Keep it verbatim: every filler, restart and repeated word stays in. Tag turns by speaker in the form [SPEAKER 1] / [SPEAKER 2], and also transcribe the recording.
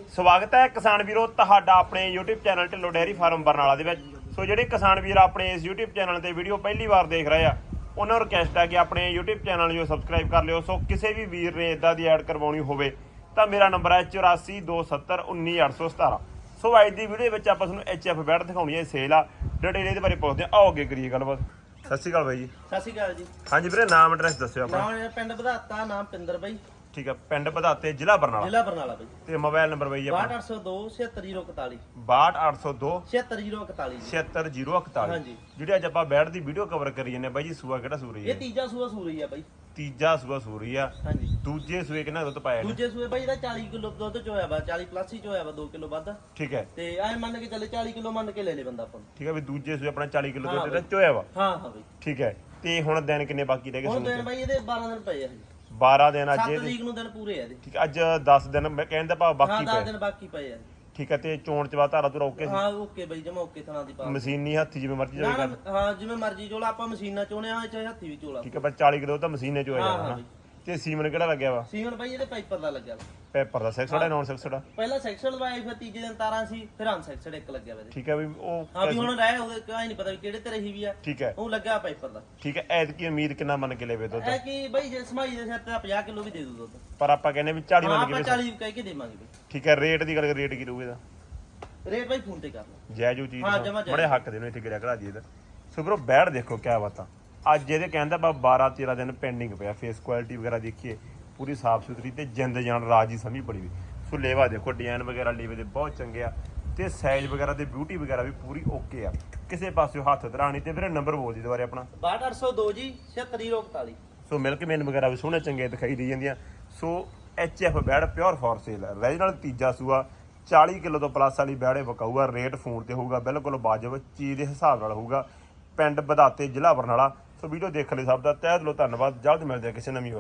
[SPEAKER 1] ਸਵਾਗਤ ਹੈ ਕਿਸਾਨ ਵੀਰੋ ਤੁਹਾਡਾ ਆਪਣੇ YouTube channel Dhillon dairy farm Barnala ਦੇ ਵਿੱਚ। ਸੋ ਜਿਹੜੇ ਕਿਸਾਨ ਵੀਰ ਆਪਣੇ ਇਸ YouTube ਚੈਨਲ ਤੇ ਵੀਡੀਓ ਪਹਿਲੀ ਵਾਰ ਦੇਖ ਰਹੇ ਆ ਉਹਨਾਂ ਨੂੰ ਰਿਕਵੈਸਟ ਹੈ ਕਿ ਆਪਣੇ YouTube ਚੈਨਲ ਨੂੰ ਸਬਸਕ੍ਰਾਈਬ ਕਰ ਲਿਓ। ਸੋ ਕਿਸੇ ਵੀ ਵੀਰ ਨੇ ਇਦਾਂ ਦੀ ਐਡ ਕਰਵਾਉਣੀ ਹੋਵੇ ਤਾਂ ਮੇਰਾ ਨੰਬਰ ਹੈ ਚੁਰਾਸੀ ਦੋ ਸੱਤਰ ਉੱਨੀ ਅੱਠ ਸੌ ਸਤਾਰਾਂ। ਸੋ ਅੱਜ ਦੀ ਵੀਡੀਓ ਵਿੱਚ ਆਪਾਂ ਤੁਹਾਨੂੰ ਐਚ ਐਫ ਬੈਡ ਦਿਖਾਉਣੀ ਹੈ ਸੇਲ ਆ, ਡਿਟੇਲ ਇਹਦੇ ਬਾਰੇ ਪੁੱਛਦੇ ਹਾਂ। ਆਓ ਅੱਗੇ ਕਰੀਏ ਗੱਲਬਾਤ। ਸਤਿ ਸ਼੍ਰੀ ਅਕਾਲ ਬਾਈ ਜੀ।
[SPEAKER 2] ਸਤਿ ਸ਼੍ਰੀ ਅਕਾਲ ਜੀ।
[SPEAKER 1] ਹਾਂਜੀ ਵੀਰੇ, ਨਾਮ ਐਡਰੈਸ ਦੱਸਿਓ ਆਪਣਾ।
[SPEAKER 2] ਨਾਮ ਪਿੰਡ ਵਧਾਤਾ, ਨਾਮ ਪਿੰਦਰ ਬਾਈ।
[SPEAKER 1] ਠੀਕ ਹੈ, ਪਿੰਡ ਵਧਾਤੇ, ਜ਼ਿਲ੍ਹਾ ਬਰਨਾਲਾ।
[SPEAKER 2] ਜ਼ਿਲ੍ਹਾ ਬਰਨਾਲਾ ਬਾਈ।
[SPEAKER 1] ਤੇ ਮੋਬਾਈਲ ਨੰਬਰ ਬਾਈ ਜੀ ਆਪਣਾ
[SPEAKER 2] ਬਾਹਠ ਅੱਠ ਸੌ ਦੋ ਛਿਅੱਤਰ ਜ਼ੀਰੋ ਇਕਤਾਲੀ।
[SPEAKER 1] ਬਾਹਠ ਅੱਠ ਸੌ ਦੋ
[SPEAKER 2] ਛਿਅੱਤਰ ਜ਼ੀਰੋ ਇਕਤਾਲੀ।
[SPEAKER 1] ਛਿਅੱਤਰ ਜ਼ੀਰੋ ਇਕਤਾਲੀ।
[SPEAKER 2] ਹਾਂਜੀ।
[SPEAKER 1] ਜਿਹੜੀ ਅੱਜ ਆਪਾਂ ਬੈਡ ਦੀ ਵੀਡੀਓ ਕਵਰ ਕਰੀ ਜਾਂਦੇ ਬਾਈ ਜੀ, ਸੂਆ ਕਿਹੜਾ ਸੂਰੀ
[SPEAKER 2] ਇਹ
[SPEAKER 1] ਹੈ?
[SPEAKER 2] ਤੀਜਾ ਸੂਆ ਸੂਰੀ ਆ ਬਾਈ।
[SPEAKER 1] ਤੀਜਾ ਸੂਆ ਸੂਰੀ ਆ।
[SPEAKER 2] ਹਾਂਜੀ।
[SPEAKER 1] ਦੂਜੇ ਸੂਏ ਕਿੰਨਾ ਦੁੱਧ ਪਾਇਆ ਇਹਨੇ?
[SPEAKER 2] ਦੂਜੇ ਸੂਏ ਬਾਈ ਇਹਦਾ ਚਾਲੀ ਕਿਲੋ ਦੁੱਧ ਚੋਇਆ ਵਾ, ਚਾਲੀ ਪਲੱਸ ਹੀ ਚੋਇਆ ਵਾ, ਦੋ ਕਿਲੋ ਵੱਧ।
[SPEAKER 1] ਠੀਕ ਹੈ।
[SPEAKER 2] ਤੇ ਐ ਮੰਨ ਕੇ ਚੱਲੇ ਚਾਲੀ ਕਿਲੋ ਮੰਨ ਕੇ ਲੈ ਲੇ ਬੰਦਾ ਆਪਾਂ ਨੂੰ।
[SPEAKER 1] ਠੀਕ ਹੈ ਵੀ ਦੂਜੇ ਸੂਏ ਆਪਣਾ ਚਾਲੀ ਕਿਲੋ
[SPEAKER 2] ਹਾਂ
[SPEAKER 1] ਦੁੱਧ ਇਹਦਾ
[SPEAKER 2] ਬਾਈ।
[SPEAKER 1] ਚੋਇਆ ਵਾ।
[SPEAKER 2] ਹਾਂ ਹਾਂ ਬਾਈ।
[SPEAKER 1] ਠੀਕ ਹੈ। ਤੇ ਹੁਣ ਦਿਨ ਕਿੰਨੇ ਬਾਕੀ ਰਹਿ ਗਏ
[SPEAKER 2] ਹੁਣ
[SPEAKER 1] ਸੂਣ
[SPEAKER 2] ਦਿਨ
[SPEAKER 1] ਤੇ?
[SPEAKER 2] ਬਾਈ ਇਹਦੇ ਬਾਰਾਂ ਦਿਨ ਪਏ ਆ ਹਜੇ।
[SPEAKER 1] ਬਾਰਾਂ ਦਿਨ ਅੱਜ
[SPEAKER 2] ਸੱਤ
[SPEAKER 1] ਇਹਦੇ।
[SPEAKER 2] ਤਰੀਕ ਨੂੰ ਦਿਨ ਪੂਰੇ ਆ ਇਹਦੇ।
[SPEAKER 1] ਠੀਕ ਹੈ, ਅੱਜ ਦਸ ਦਿਨ ਮੈਂ ਕਹਿੰਦਾ ਭਾਵ
[SPEAKER 2] ਹਾਂ
[SPEAKER 1] ਬਾਕੀ
[SPEAKER 2] ਦਸ
[SPEAKER 1] ਪਏ।
[SPEAKER 2] ਦਿਨ ਬਾਕੀ ਪਏ ਆ।
[SPEAKER 1] ਠੀਕ ਹੈ। ਤੇ ਚੋਣ ਚਵਾ ਧਾਰਾ ਤੋਂ ਓਕੇ ਸੀ?
[SPEAKER 2] ਹਾਂ ਓਕੇ ਬਾਈ, ਜਮਾ ਓਕੇ ਥਣਾ ਦੀ ਪਾ।
[SPEAKER 1] ਮਸ਼ੀਨੀ ਹੱਥੀ ਜਿਵੇਂ ਮਰਜ਼ੀ
[SPEAKER 2] ਨਾ
[SPEAKER 1] ਚੋਏ
[SPEAKER 2] ਨਾ,
[SPEAKER 1] ਕਰ।
[SPEAKER 2] ਹਾਂ ਜਿਵੇਂ ਮਰਜ਼ੀ ਚੋਲਾ, ਆਪਾਂ ਮਸ਼ੀਨਾਂ ਚੋਣੇ ਆ ਚਾਹੇ ਹੱਥੀ ਵੀ ਚੋਲਾ।
[SPEAKER 1] ਠੀਕ ਹੈ, ਪਰ ਚਾਲੀ ਕਿਲੋ ਤਾਂ ਮਸ਼ੀਨੇ ਚੋਇਆ
[SPEAKER 2] ਹਾਂ,
[SPEAKER 1] ਜਾਣਾ
[SPEAKER 2] ਹਾਂ
[SPEAKER 1] ਹਨਾ।
[SPEAKER 2] ਬਾਈ।
[SPEAKER 1] ਤੇ ਸੀਮਨ ਕਿਹੜਾ ਲੱਗਿਆ ਵਾ?
[SPEAKER 2] ਸੀਮਨ ਬਾਈ ਇਹਦੇ ਪਾਈਪਰ ਦਾ ਲੱਗਿਆ ਵਾ।
[SPEAKER 1] ਪੇਪਰ ਦਾ ਸੈਕਸੜਾ ਨੌਨ ਸੈਕਸੜਾ?
[SPEAKER 2] ਪਹਿਲਾਂ ਸੈਕਸ਼ਨ ਲਵਾਏ, ਫਿਰ ਤੀਜੇ ਦਿਨ ਤਾਰਾਂ ਸੀ, ਫਿਰ ਅਨ ਸੈਕਸ਼ਨ ਇੱਕ ਲੱਗਿਆ ਵਾ ਇਹਦੇ।
[SPEAKER 1] ਠੀਕ ਹੈ ਵੀ ਉਹ
[SPEAKER 2] ਹਾਂ ਵੀ ਹੁਣ ਰਹਿ ਉਹਦੇ ਕਾਹ ਨਹੀਂ ਪਤਾ ਵੀ ਕਿਹੜੇ ਤੇ ਰਹੀ ਵੀ ਆ।
[SPEAKER 1] ਠੀਕ ਹੈ।
[SPEAKER 2] ਉਹ ਲੱਗਾ ਪਾਈਪਰ ਦਾ।
[SPEAKER 1] ਠੀਕ ਹੈ। ਐਤਕੀ ਉਮੀਦ ਕਿੰਨਾ ਮੰਨ ਕੇ ਲੈਵੇ ਦੁੱਧ?
[SPEAKER 2] ਐ ਕਿ ਬਾਈ ਜੇ ਸਮਾਈ ਦੇ ਸਿਰ ਤੇ ਪੰਜਾਹ ਕਿਲੋ ਵੀ ਦੇ ਦੂ ਦੁੱਧ।
[SPEAKER 1] ਪਰ ਆਪਾਂ ਕਹਿੰਦੇ ਵੀ ਚਾਲੀ
[SPEAKER 2] ਹਾਂ
[SPEAKER 1] ਮੰਨ ਕੇ
[SPEAKER 2] ਆਪਾਂ
[SPEAKER 1] ਵੀ।
[SPEAKER 2] ਚਾਲੀ ਕਹਿ ਕੇ ਦੇਵਾਂਗੇ ਬਾਈ।
[SPEAKER 1] ਠੀਕ ਹੈ। ਰੇਟ ਦੀ ਗੱਲ ਕਰ, ਰੇਟ ਕੀ ਰਹੂਗਾ ਇਹਦਾ?
[SPEAKER 2] ਰੇਟ ਬਾਈ ਫੋਨ ਤੇ ਕਰ ਲਓ।
[SPEAKER 1] ਜੈ ਜੋ ਚੀਜ਼
[SPEAKER 2] ਹਾਂ, ਜਮਾਂ ਜੈ।
[SPEAKER 1] ਬੜੇ ਹੱਕ ਦੇ ਨੂੰ ਇੱਥੇ ਗਿਰਿਆ ਘੜਾ ਜੀ ਇਹਦਾ। ਸੋ ਬਰੋ ਬੈੜ ਦੇਖੋ ਕਿਆ ਬਾਤਾਂ। ਅੱਜ ਇਹਦੇ ਕਹਿੰਦਾ ਬਾ ਬਾਰਾਂ ਤੇਰਾਂ ਦਿਨ ਪੈਂਡਿੰਗ ਪਿਆ। ਫੇਸ ਕੁਆਲਿਟੀ ਵਗੈਰਾ ਦੇਖੀਏ ਪੂਰੀ ਸਾਫ ਸੁਥਰੀ ਤੇ ਜਿੰਦ ਜਾਨ ਰਾਜੀ ਸਮਝ ਬੜੀ ਵੀ। ਸੋ ਲੇਵਾ ਦੇਖੋ, ਡਿਜ਼ਾਈਨ ਵਗੈਰਾ ਲੇਵੇ ਦੇ ਬਹੁਤ ਚੰਗੇ ਆ ਤੇ ਸਾਈਜ਼ ਵਗੈਰਾ ਤੇ ਬਿਊਟੀ ਵਗੈਰਾ ਵੀ ਪੂਰੀ ਓਕੇ ਆ। ਕਿਸੇ ਪਾਸਿਓਂ ਹੱਥ ਧਰਾਣੀ। ਤੇ ਵੀਰੇ ਨੰਬਰ ਬੋਲ ਦੀ ਦੁਬਾਰੇ ਆਪਣਾ।
[SPEAKER 2] ਬਾਹਠ ਅੱਠ ਸੌ ਦੋ ਜੀ ਛਿਅੱਤਰ ਜ਼ੀਰੋ ਇਕਤਾਲੀ।
[SPEAKER 1] ਸੋ ਮਿਲਕ ਮੇਨ ਵਗੈਰਾ ਵੀ ਸੋਹਣੇ ਚੰਗੇ ਦਿਖਾਈ ਦੇ ਜਾਂਦੀਆਂ। ਸੋ ਐਚ ਐਫ ਬੈੜ ਪਿਓਰ ਫॉर ਸੇਲ ਹੈ। ਰੀਜਨਲ ਤੀਜਾ ਸੂਆ ਚਾਲੀ ਕਿਲੋ ਤੋਂ ਪਲੱਸ ਵਾਲੀ ਬੈੜੇ ਵਿਕਾਊਗਾ। ਰੇਟ ਫੋਨ ਤੇ ਹੋਊਗਾ, ਬਿਲਕੁਲ ਵਾਜਬ ਚੀਜ਼ ਦੇ ਹਿਸਾਬ ਨਾਲ ਹੋਊਗਾ। ਪਿੰਡ ਵਧਾਤੇ, ਜ਼ਿਲ੍ਹਾ ਬਰਨਾਲਾ। ਸੋ ਵੀਡੀਓ ਦੇਖਣ ਲਈ ਸਭ ਦਾ ਤਹਿ ਦਿਲੋਂ ਧੰਨਵਾਦ। ਜਲਦ ਮਿਲਦੇ ਆ ਕਿਸੇ ਨਵੀਂ